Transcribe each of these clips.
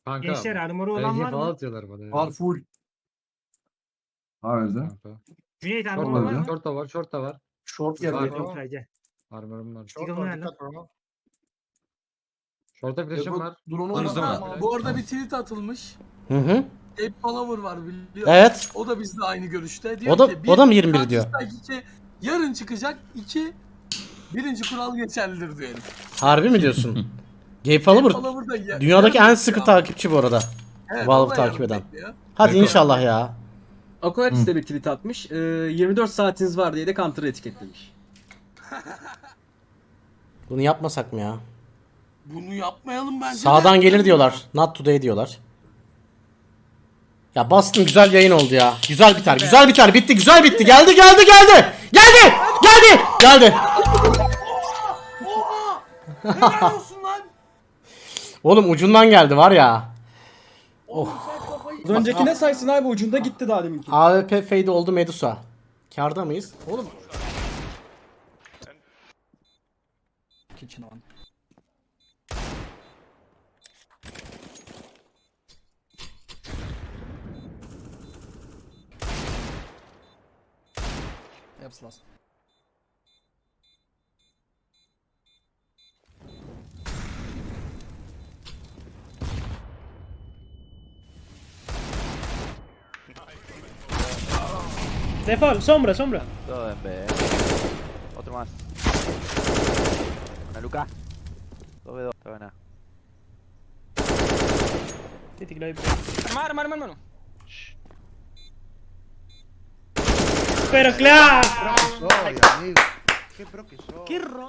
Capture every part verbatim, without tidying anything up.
Kanka. Gençler armoru olan belki var falan mı? atıyorlar bana. ya. Var full. Var öyle. Kanka. Cüneyt Short armoru da var öyle. mı? var, short da var, short da var. Short Yok geldi. yok sadece. Armorum var. Short Short var, nerede? dikkat bro. Short'a flash'ım var. Drone'u Hızlı mı? var. Bu arada bir tweet atılmış. Hı hı. Ape Palaver var biliyor. Evet. O da bizle aynı görüşte. Diyor O da ki, o da mı yirmi bir diyor. iki, yarın çıkacak. iki birinci kural geçerlidir diyor herif. Harbi mi diyorsun? Gabe Ape Palaver Palaver da ya- dünyadaki yarın en sıkı bekliyor. takipçi bu arada. Evet, Valve o da takip yarın eden. bekliyor. Hadi Bakalım. inşallah ya. Aquarius de bir tweet atmış. Ee, yirmi dört saatiniz var diye de Counter'ı etiketlemiş. Bunu yapmasak mı ya? Bunu yapmayalım bence. Sağdan de. gelir diyorlar. Not today diyorlar. Ya bastım, güzel yayın oldu ya. Güzel biter, güzel biter. Bitti, güzel bitti. Geldi, geldi, geldi. Geldi, geldi, geldi. Oha! Helal olsun lan. Oğlum ucundan geldi var ya. Oğlum sen kafayı... Az önceki ne saysın abi, ucunda gitti daha deminki. A W P fade oldu Medusa. Karda mıyız? Oğlum Kitchen on. Hepsi last. Default, sombra, sombra. Todo en B. Otro más. Una Luca. dos B dos. Está buena. Tetikle. Arma arma arma arma. Pero claro. Soy, amigo. Qué pro que soy. Qué ro...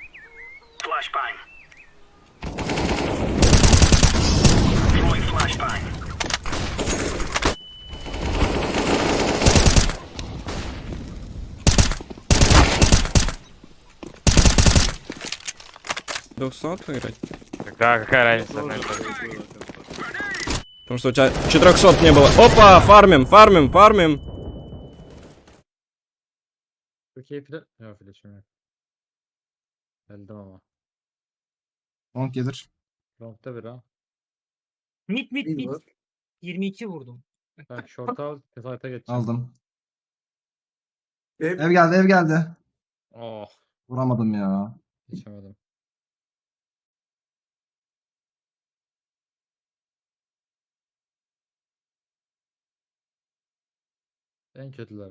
двухсот выиграть? Да, какая разница? Потому что у тебя четырехсот не было. Опа, фармим, фармим, фармим. Türkiye flash. Yok flash'ım yok. Geldim ama. Long gelir. Long'da bir ha. Mit mit İyi mit. var. yirmi iki vurdum. Ben short'a al. Site'a geçeceğim. Aldım. Ev- Ev geldi, ev geldi. Oh. Vuramadım ya. Geçemedim. En kötüleri.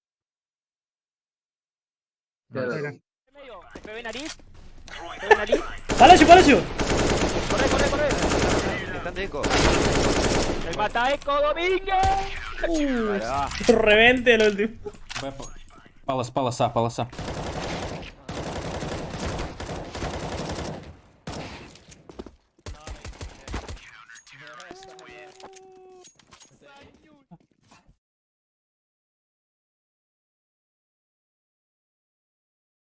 Helal. Palacio, Palacio. Corre, corre, corre. Están de eco. El mata eco Domínguez. Uh, Vale, va. Revente el último. Полос, полоса, полоса.